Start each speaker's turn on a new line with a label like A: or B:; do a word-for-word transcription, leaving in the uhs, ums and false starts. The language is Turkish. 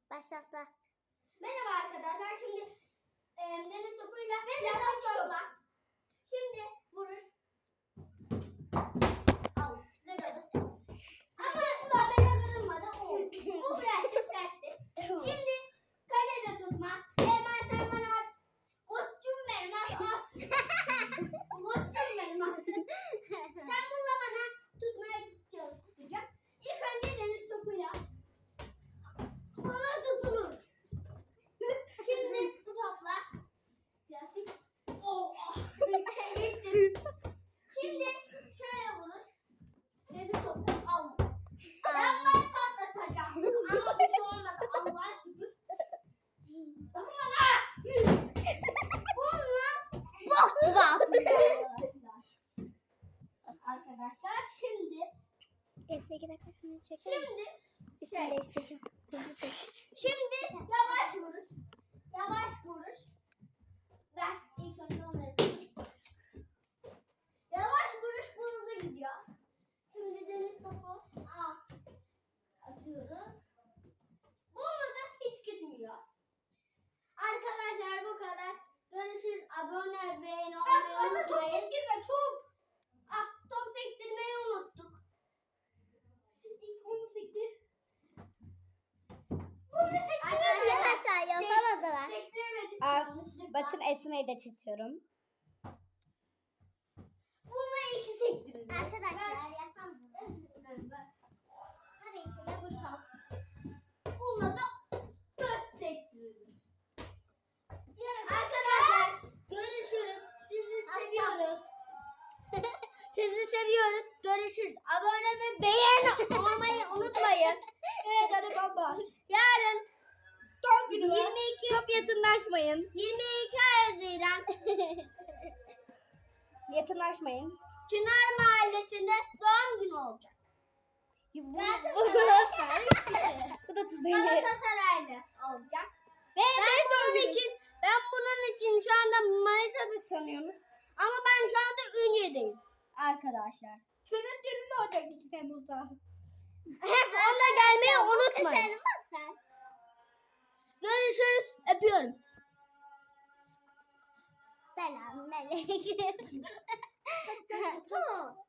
A: Başlattı.
B: Merhaba arkadaşlar. Şimdi e, deniz topuyla biraz yolla. Şimdi vurur. Al. Zırladı. Ama tabela kırılmadı. O. Bu birazcık sertti. Şimdi kalede tutma. Hemen sen bana at. Koçum benim at at. Koçum benim at. Sen bununla bana tutmaya çalışacak. İlk önce deniz topuyla. Ona tutulur. Şimdi bu topla. Plastik. Oh. Gitti. Şimdi şöyle vurur. Deniz topu al. Ben ben patlatacaktım ama bir şey olmadı. Allah'a şükür. Tamam ha. Bununla
A: Bok gibi
B: arkadaşlar şimdi
A: Eski iki dakika şunu çeker misin?
B: şimdi
A: Üstünü
B: şey
A: değiştireceğim. Hızlı çek.
B: şimdi yavaş vuruş. Yavaş vuruş. Ben ilk önce onu yapayım. Yavaş vuruş bu hızlı gidiyor. Şimdi deniz topu al. Atıyoruz. Bununla da hiç gitmiyor. Arkadaşlar bu kadar. Görüşürüz. Abone, beğeni olmayı unutmayın. Top sektirme top. Ah top sektirmeyi unuttuk. İlk onu sektir. Bunu sektiremedik.
A: Arkadaşlar yapamadılar.
B: Sektiremedik.
C: Aa,
B: Yanlışlıkla.
C: Bakın Esma'yı da çekiyorum.
B: Bununla iki sektirelim.
A: Arkadaşlar yapamadılar.
B: Ben, ben.
A: Tabii ki de bu top.
B: Bununla da dört sektirilir. Arkadaşlar görüşürüz. Sizi seviyoruz. Sizi seviyoruz. Görüşürüz. Abone ve beğen olmayı unutmayın. Evet hadi baba. Yarın
C: Doğum günü
B: yirmi iki
C: Çok yakınlaşmayın.
B: yirmi iki Haziran
C: Yakınlaşmayın.
B: Çınar Mahallesi'nde doğum günü olacak.
C: Bu,
B: Galatasaray-
C: bu da Tuzey'in.
B: Galatasaraylı olacak.
C: Ve
B: Ben
C: ben
B: bunun
C: doğum
B: için ben bunun için şu anda Manisa'da sanıyormuş. Ama ben şu anda Ünye'deyim arkadaşlar.
C: Senin düğünün olacak iki Temmuz'da.
B: Onda gelmeyi unutmayın.
A: Tanımaz sen.
B: Görüşürüz. Öpüyorum.
A: Selamünaleyküm. Tut.